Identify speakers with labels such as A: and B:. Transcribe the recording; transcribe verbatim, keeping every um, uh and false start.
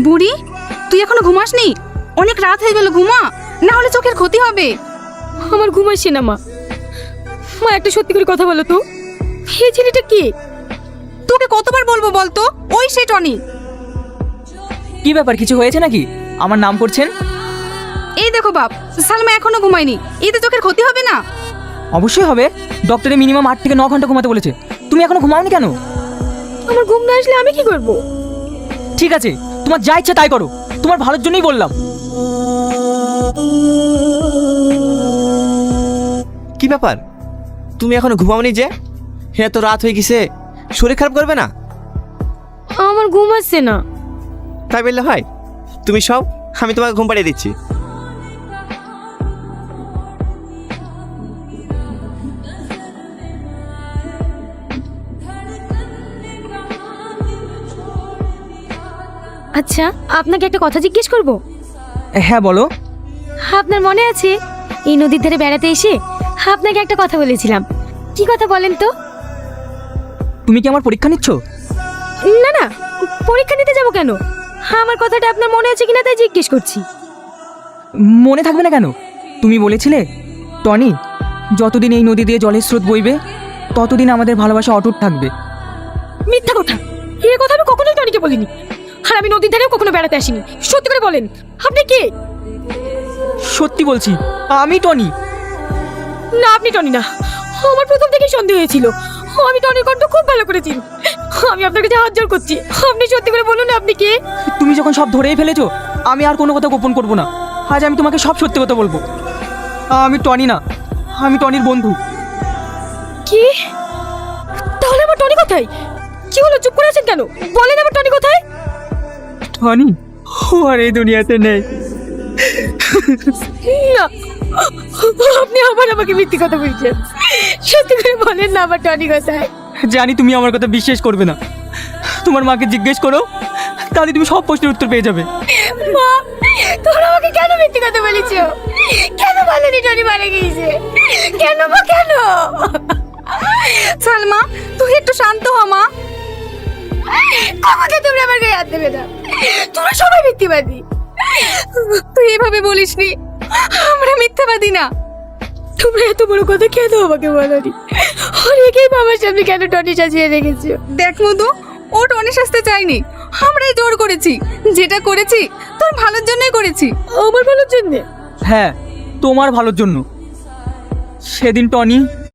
A: বুড়ি, তুই এখনো ঘুমাসনি? অনেক রাত হয়ে গেল, ঘুমা, না হলে চোখের ক্ষতি হবে।
B: আমার ঘুম আসছে না মা। মা একটা সত্যি করে কথা বলো তো, এই ছেলেটা কে?
A: তোকে কতবার বলবো বলতো, ওই সে টনি।
C: কি ব্যাপার, কিছু হয়েছে নাকি? আমার নাম করছেন?
A: এই দেখো বাপ, সালমা এখনো ঘুমায়নি, এতে চোখের ক্ষতি হবে না?
C: অবশ্যই হবে, ডক্টরে মিনিমাম আট থেকে ন ঘন্টা ঘুমাতে বলেছে। তুমি এখনো ঘুমাওনি কেন?
B: আমার ঘুম না আসলে আমি কি করব?
C: ঠিক আছে, তোমার যা ইচ্ছা তাই করো, তোমার ভালোর জন্যই বললাম।
D: কি ব্যাপার, তুমি এখনো ঘুমাওনি যে? হ্যাঁ, তো রাত হয়ে গেছে, শরীর খারাপ করবে না?
B: আমার ঘুম আসছে না।
D: তাই বললে হয়? তুমি সব, আমি তোমাকে ঘুম পাড়িয়ে দিচ্ছি।
B: আচ্ছা, আপনাকে একটা কথা জিজ্ঞেস করব?
C: হ্যাঁ বলো।
B: আপনার মনে আছে এই নদীর ধারে বেড়াতে এসে আপনাকে একটা কথা বলেছিলাম? কি কথা বলেন তো?
C: তুমি কি আমার পরীক্ষা নিচ্ছ?
B: না না, পরীক্ষা নিতে যাব কেন? আমার কথাটা আপনার মনে আছে কিনা তাই জিজ্ঞেস করছি।
C: মনে থাকবে না কেন? তুমি বলেছিলে, টনি, যতদিন এই নদী দিয়ে জলের স্রোত বইবে ততদিন আমাদের ভালোবাসা অটুট থাকবে।
B: মিথ্যা কথা, এই কথা আমি কখনোই টনিকে বলিনি। আর আমি নদীর ধারেও কখনো বেড়াতে আসিনি। সত্যি করে বলেন, আপনি কে?
C: সত্যি বলছি, আমি টনি।
B: না, আপনি টনি না। আমার প্রথম থেকেই সন্দেহ হয়েছিল। আমি টনির কণ্ঠ খুব ভালো করে চিনি। আমি আপনার কাছে হাত জোড় করছি, আপনি সত্যি করে বলুন না আপনি কে?
C: তুমি যখন সব ধরেই ফেলেছো, আমি আর কোনো কথা গোপন করব না। আজ আমি তোমাকে সব সত্যি কথা বলবো। আমি টনি না, আমি টনির বন্ধু।
B: কি? তাহলে আমার টনি কোথায়? কি হলো, চুপ করে আছেন কেন? বলেন আমার টনি কোথায়?
C: টনি ও আর এই দুনিয়াতে নেই।
B: না, আপনি আবার আমাকে মিথ্যে কথা বলছেন। সত্যি করে বলেন না আমার টনি কোথায়?
C: জানি তুমি আমার কথা বিশ্বাস করবে না, তোমার মাকে জিজ্ঞেস করো, তাহলে তুমি সব প্রশ্নের উত্তর পেয়ে যাবে।
B: মা, তোমরা আমাকে কেন মিথ্যে কথা বলেছো? কেন বলেনি টনি মারা গিয়েছে? কেন মা, কেন?
A: সালমা, তুই একটু শান্ত হ মা।
B: আমাকে তোমরা আমার গায়ে হাত দেবে না, তোমরা সবাই মিথ্যেবাদী।
A: তুই এভাবে বলিসনি, আমরা মিথ্যাবাদী না।
B: তোমরা এত বড় কথা কেন আমাকে বলোনি? অনেকেই বাবার সামনে কেন টনি সাজিয়ে রেখেছো?
A: দেখ মধু, ও টনি সাজতে চাইনি, আমরাই জোর করেছি। যেটা করেছি তোর ভালোর জন্যই করেছি।
B: আমার ভালোর জন্য।
C: হ্যাঁ, তোমার ভালোর জন্য। সেদিন টনি